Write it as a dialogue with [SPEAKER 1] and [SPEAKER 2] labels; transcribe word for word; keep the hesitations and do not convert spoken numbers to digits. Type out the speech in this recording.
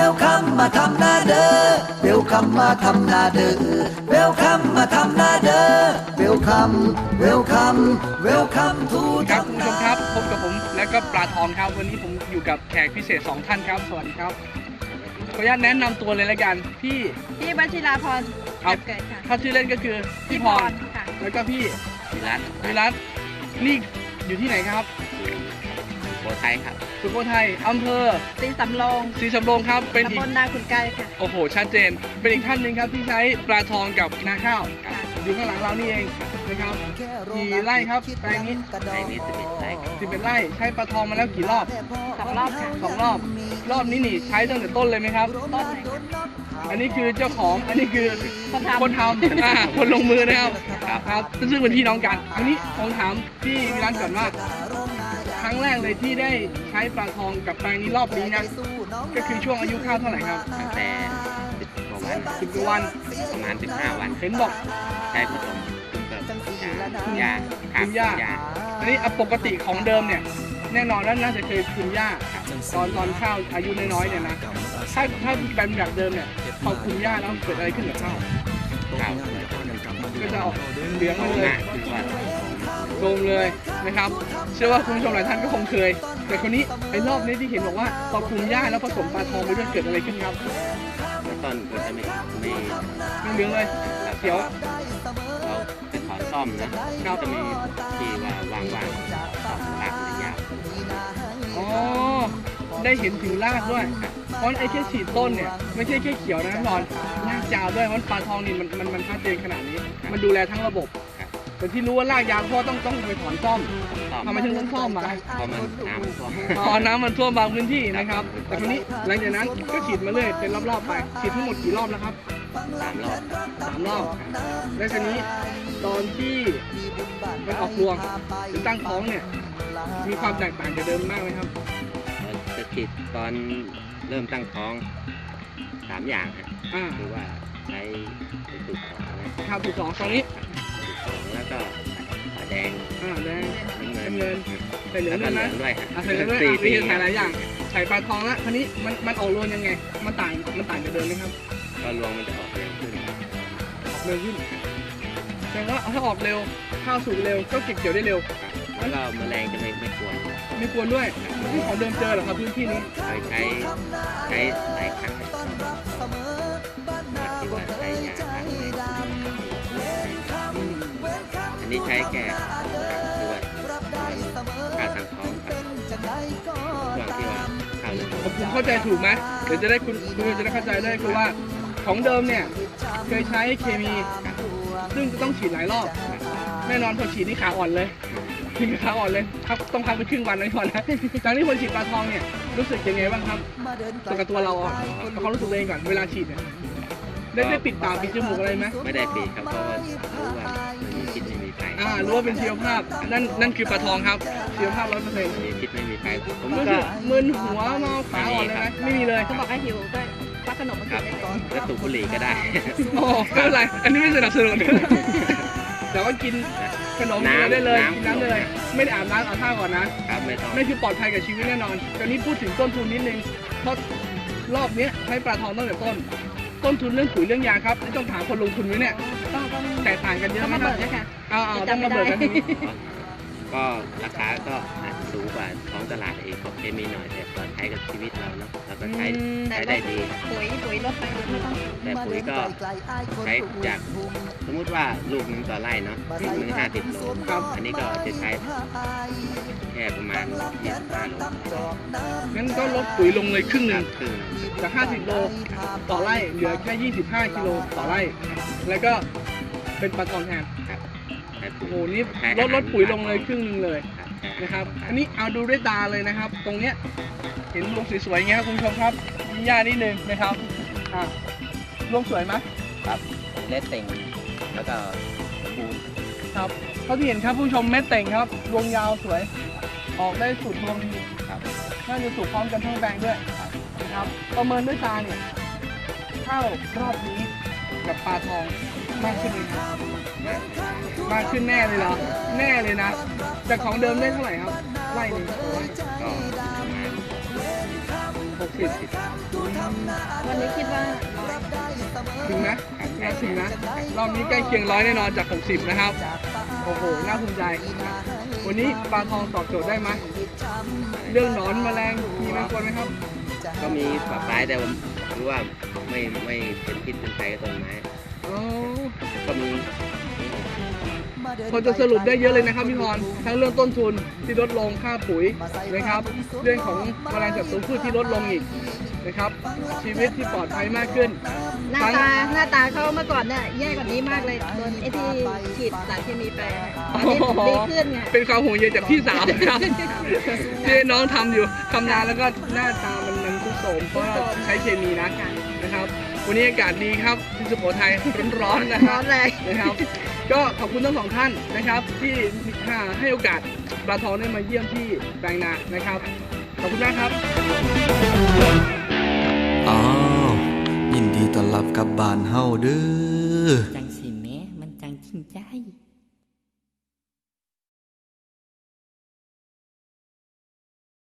[SPEAKER 1] ลคัมมาทำนาเด้อเวลคัมมาทำนาเด้อเวลคัมมาทำนาเด้อเวลคัมเวลคัมเวลคัมทู
[SPEAKER 2] ครับคุณผู้ชมครับพบกับผมและก็ปลาทองครับวันนี้ผมอยู่กับแขกพิเศษสองท่านครับสวัสดีครับขออนุญาตแนะนำตัวเลยละกันพี่
[SPEAKER 3] พี่วชิราพร
[SPEAKER 2] ครับ
[SPEAKER 3] เกิดค่ะ
[SPEAKER 2] ถ้าชื่อเล่นก็คือพี่พร
[SPEAKER 3] ค่ะ
[SPEAKER 2] แล้วก็พี่
[SPEAKER 4] วิรัต
[SPEAKER 2] วิรัตนี่อยู่ที่ไหนครับ
[SPEAKER 4] โบทัยครับ
[SPEAKER 2] สุโขทัยอำเภอ
[SPEAKER 3] สีสำโรง
[SPEAKER 2] ศรีสำโรงครับเป็นอี
[SPEAKER 3] ตำบ
[SPEAKER 2] ก
[SPEAKER 3] ลนาขุนไกรค่ะ
[SPEAKER 2] โอ้โหชัดเจนเป็นอีกท่านหนึ่งครับที่ใช้ปลาทองกับนาข้าว
[SPEAKER 3] ค่ะ
[SPEAKER 2] อยู่ข้างหลังเรานี่เองนะครับกี่ไร่ครับแปลงนี้
[SPEAKER 4] ในนี้สิบเอ็ดไร่ครับ
[SPEAKER 2] สิบเอ็ดไร่ใช้ปลาทองมาแล้วกี่รอบ
[SPEAKER 3] สองรอบค่ะ
[SPEAKER 2] สองรอบรอบนี้นี่ใช้ตั้งแต่ต้นเลยไหมครับ
[SPEAKER 3] ต้นเลยค่ะ
[SPEAKER 2] อันนี้คือเจ้าของอันนี้คือ
[SPEAKER 3] คนทำ
[SPEAKER 2] คนทำ อ่าคนลงมือนะครับครับซึ่งเป็นพี่น้องกันอันนี้ผมถามพี่วิรัตก่อนว่าครั้งแรกเลยที่ได้ใช้ปลาทองกับแปลงนี้รอบนี้นะก็คือช่วงอายุข้าวเท่าไหร่ครับ
[SPEAKER 4] ตั้งแต่สิบกว่าวัน
[SPEAKER 2] สิบกว่าวัน
[SPEAKER 4] ประมาณสิบห้าวัน
[SPEAKER 2] เห็นบอก
[SPEAKER 4] ใช้ผสมกับยาครับ
[SPEAKER 2] คุณย่า
[SPEAKER 4] ยา
[SPEAKER 2] อันนี้ปกติของเดิมเนี่ยแน่นอนว่าน่าจะเคยคุณย่าตอนตอนข้าวอายุน้อยๆเนี่ยนะถ้าถ้าเป็นแบบเดิมเนี่ยพอคุณย่าแล้วเกิดอะไรขึ้นกับข้าว
[SPEAKER 4] ข้าวเลย
[SPEAKER 2] ก็จะออกเหลือง
[SPEAKER 4] โต
[SPEAKER 2] มาเลย
[SPEAKER 4] มากคือว่า
[SPEAKER 2] โดมเลยนะครับเชื่อว่าคุณผู้ชมหลายท่านก็คงเคย แต่คนนี้ไอ้รอบนี้ที่เห็นบอกว่าพอคุมหญ้าแล้วผสมปลาทองไปด้วยเกิดอะไรขึ้นครับ
[SPEAKER 4] แล้วต้นก็จะไม่ไม่
[SPEAKER 2] ไม่เหลืองเลยเขียว
[SPEAKER 4] เราไปถอนซ่อมนะก็จะมีที่ว่าว่างๆซ่อมรากมันยาว
[SPEAKER 2] อ๋อได้เห็นถึงรากด้วยเพราะไอ้แค่ฉีดต้นเนี่ยไม่ใช่แค่เขียวนะนอนรากยาวด้วยเพราะปลาทองนี่มันมันมันชัดเจนขนาดนี้ มันดูแลทั้งระบบ
[SPEAKER 4] ครับ
[SPEAKER 2] แต่ที่รู้ว่ารากยาวเพราะต้องต้องไปถอนซ่อม
[SPEAKER 4] ซ่อม
[SPEAKER 2] ทำไมถึงต้องซ่อมมา
[SPEAKER 4] เพราะมันน้ำท่วม
[SPEAKER 2] อ๋อน้ำมันท่วมบางพื้นที่นะครับ แต่คนนี้หลังจากนั้นก็ฉีดมาเรื่อยเป็นรอบๆไปฉีดทั้งหมดกี่รอบแล้วครับ
[SPEAKER 4] สามรอบ
[SPEAKER 2] สามรอบแล้วทีนี้ตอนที่มันออกรวงหรือตั้งท้องเนี่ยมีความแตกต่างจากเดิมมากไหมครับ
[SPEAKER 4] เราจะฉีดตอนเริ่มตั้งท้องสามอย่างฮะ
[SPEAKER 2] อ่า
[SPEAKER 4] คือว่าใช้สูตรสองนะ
[SPEAKER 2] ข้าวถูกสองตอนนี้
[SPEAKER 4] สูตรสองแล้วก็ฝาแดง
[SPEAKER 2] อ่าแดง
[SPEAKER 4] น้ำเงิน
[SPEAKER 2] น้ำเงินใส่เหลือง
[SPEAKER 4] แล้ว
[SPEAKER 2] ด้
[SPEAKER 4] ก็
[SPEAKER 2] วย
[SPEAKER 4] เหลื
[SPEAKER 2] นะ
[SPEAKER 4] องด้วยฮะ
[SPEAKER 2] อ่ะใส่เหลืองด้วย
[SPEAKER 4] สี่
[SPEAKER 2] อ่ะมี
[SPEAKER 4] สี่
[SPEAKER 2] ใส่หลายอย่างใส่ปลาทองละทีนี้มันมันออกรวงยังไงมันต่างมันต่างจากเดิมไหมครับ
[SPEAKER 4] ก็รวงมันจะออกเร็วขึ้น
[SPEAKER 2] ออกเร็วขึ้นแสดงว่าถ้าออกเร็วข้าวสุกเร็วก็เก็บเกี่ยวได้เร็ว
[SPEAKER 4] แล้วก็แมลงจะไม่ไม่กวน
[SPEAKER 2] ไม่กวนด้วยนี่ของเดิมเจอเหรอครับพื้นที่นี้
[SPEAKER 4] เคยใช้ใช้หลายครั้งที่ว่าใช้ยาฆ่าแมลงอันนี้ใช้แค่คือว่าค่าทางท้องกับช่วงที่ว่าข้าวเริ่ม
[SPEAKER 2] ผมผมเข้าใจถูกไหมเดี๋ยวจะได้คุณคุณจะได้เข้าใจได้คือว่าของเดิมเนี่ยเคยใช้เคมี ซึ่งจะต้องฉีดหลายรอบแน่นอนพอฉีดนี่ขาอ่อนเลยถึงขาอ่อนเลยครับต้องพักไปครึ่งวันไว้ก่อนนะจากนี้พอฉีดปลาทองเนี่ยรู้สึกยังไงบ้างครับตัวกับตัวเราอ่ะเอาความรู้สึกตัวเองก่อนเวลาฉีดเนี่ยได้ได้ปิดปากปิดจมูกอะไรไหม
[SPEAKER 4] ไม่ได้ปีครับเพราะว่ารู้ว่าไม่มีพิษไม่มีภัย
[SPEAKER 2] อ่ารู้ว่าเป็นชีวภาพนั่นนั่นคือปลาทองครับชีวภาพร้อยเปอร์เซ็นต์
[SPEAKER 4] ไม่มีพิษไม่มีภัยผม
[SPEAKER 2] รู้
[SPEAKER 4] ก็
[SPEAKER 2] สึกมึนหัวเมาขาอ่อนเลยไหมไม่มีเลย
[SPEAKER 3] เขาบอกให้หิวก็ควักขนมมา
[SPEAKER 4] ค
[SPEAKER 3] กิ
[SPEAKER 4] รับ
[SPEAKER 3] นได้ก่อน
[SPEAKER 4] แล้วสูบบุหรี่ก็ได้
[SPEAKER 2] โอ้ไม่เป็นไรอันนี้ไม่สนับสนุนแต่ว่ากินขนมกินอะไรได้เลยกินน้ำได้เลยไม่ได้อาบน้ำอาบท่าก่อนนะ
[SPEAKER 4] ครับไม่ต้อง
[SPEAKER 2] นั่นคือปลอดภัยกับชีวิตแน่นอนตอนนี้พูดถึงต้นทุนนิดนึง เพราะรอบนี้ใช้ปลาทองตั้งแต่ต้น ต้นทุนเรื่องปุ๋ยเรื่องยาครับไม่ต้องถามคนลงทุนไว้เนี่ย
[SPEAKER 3] ต้องต้อง
[SPEAKER 2] แตกต่างกันเยอะ
[SPEAKER 3] ต้อง
[SPEAKER 2] ไหม
[SPEAKER 3] มา
[SPEAKER 2] ครั
[SPEAKER 3] เบิ
[SPEAKER 2] บ
[SPEAKER 3] กด้วยค่ะ
[SPEAKER 2] เอาเอาต้องมาเบิกกันทีนี้
[SPEAKER 4] ก็ราคาก็อาจจะสูงกว่าท้องตลาดเองของเคมีหน่อยแต่ก็ใช้กับชีวิตเราเนาะเราก็ใช้ใช้ได้ดี
[SPEAKER 3] ปุ๋ยปุ๋ยลดไปไม่ต้อง
[SPEAKER 4] แต่ปุ๋ยก็ใช้จากสมมุติว่าลูกหนึงต่อไร่เนาะลูกหนึงห้าสิบโล
[SPEAKER 2] ครับ
[SPEAKER 4] อันนี้ก็จะใช้แค่ประมาณยี่สิบห้าโล
[SPEAKER 2] งั้นก็ลดปุ๋ยลงเลยครึ่งห
[SPEAKER 4] ครั
[SPEAKER 2] นึ่
[SPEAKER 4] บ
[SPEAKER 2] ง
[SPEAKER 4] ครึ่ง
[SPEAKER 2] จากห้าสิบโลต่อไร่เหลือแค่ยี่สิบห้ากิโลต่อไร่ แล้วก็เป็นปลาทองแทน
[SPEAKER 4] ครับใช้ปุ๋
[SPEAKER 2] โอ้
[SPEAKER 4] ย
[SPEAKER 2] โหนี่
[SPEAKER 4] ใช้
[SPEAKER 2] ลดลดปุ๋ยลงเลย
[SPEAKER 4] อาหาร
[SPEAKER 2] ครึ่งหนึงเลย
[SPEAKER 4] ครับ
[SPEAKER 2] นะครับ อันนี้เอาดูด้วยตาเลยนะครับ ตรงเนี้ยเห็นรวงสวยๆอย่างเงี้ยครับคุณผู้ชมครับมีหญ้านิดนึงนะครับอ่ารวงสวยไหม
[SPEAKER 4] ครับเล็ดเต่งแล้วก็ปูน
[SPEAKER 2] ครับเท่าที่เห็นครับผู้ชมเม็ดเต่งครับรวงยาวสวย ออกได้สุดรวงดี
[SPEAKER 4] ครับ
[SPEAKER 2] น่าจะสุกพร้อมกันทั้งแปลงด้วยนะครับประเมินด้วยตาเนี่ยข้าวรอบนี้กับปลาทองมากขึ้นไหมครับมากขึ้นแน่เลยเหรอแน่เลยนะจากของเดิมได้เท่าไหร่ครับไร่หนึง
[SPEAKER 4] ก็ประมาณ
[SPEAKER 2] หกสิบ
[SPEAKER 3] วันนี้คิดว่า
[SPEAKER 2] ถึงนะน่าถึงนะรอบนี้ใกล้เคียงร้อยแน่นอนจากหกสิบนะครับโอ้โหน่าภูมิใจวันนี้ปลาทองตอบโจทย์ได้ไหมเรื่องหนอนแมลงมีแมงกวนไหมครับ
[SPEAKER 4] ก็มีปลาปลายแต่ผมรู้ว่าไม่ไม่เป็นพิษเป็นภัยกับต้นไม้
[SPEAKER 2] อ๋อ
[SPEAKER 4] ก็มี
[SPEAKER 2] พอจะสรุปได้เยอะเลยนะครับพี่พรทั้งเรื่องต้นทุนที่ลดลงค่าปุ๋ยนะครับเรื่องของแมลงศัตรูพืชที่ลดลงอีกนะครับ ชีวิตที่ปลอดภัยมากขึ้น
[SPEAKER 3] หน้าตาหน้าตาเขาเมื่อก่อนเนี่ยแย่กว่านี้มากเลยโดนไอ้ที่ฉีดสารเคมีไปตอนนี้ดีขึ้นไง
[SPEAKER 2] เป็นความห่วงใยจากพี่สาวนะครับ ที่น้องทำอยู่ทำนานแล้วก็หน้าตามันมันทุกโสมเพราะเราใช้เคมีนะนะครับ วันนี้อากาศดีครับที่สุโขทัยร้อนๆนะค
[SPEAKER 3] ร้
[SPEAKER 2] รั
[SPEAKER 3] อบ นแรง
[SPEAKER 2] นะครับ ก็ขอบคุณทั้งสองท่านนะครับ ที่ให้โอกาสปลาทองได้มาเยี่ยมที่แปลงนานะครับ ขอบคุณมากครับ
[SPEAKER 1] อ้าวยินดีต้อนรับกลับบ้านเฮาเด้อ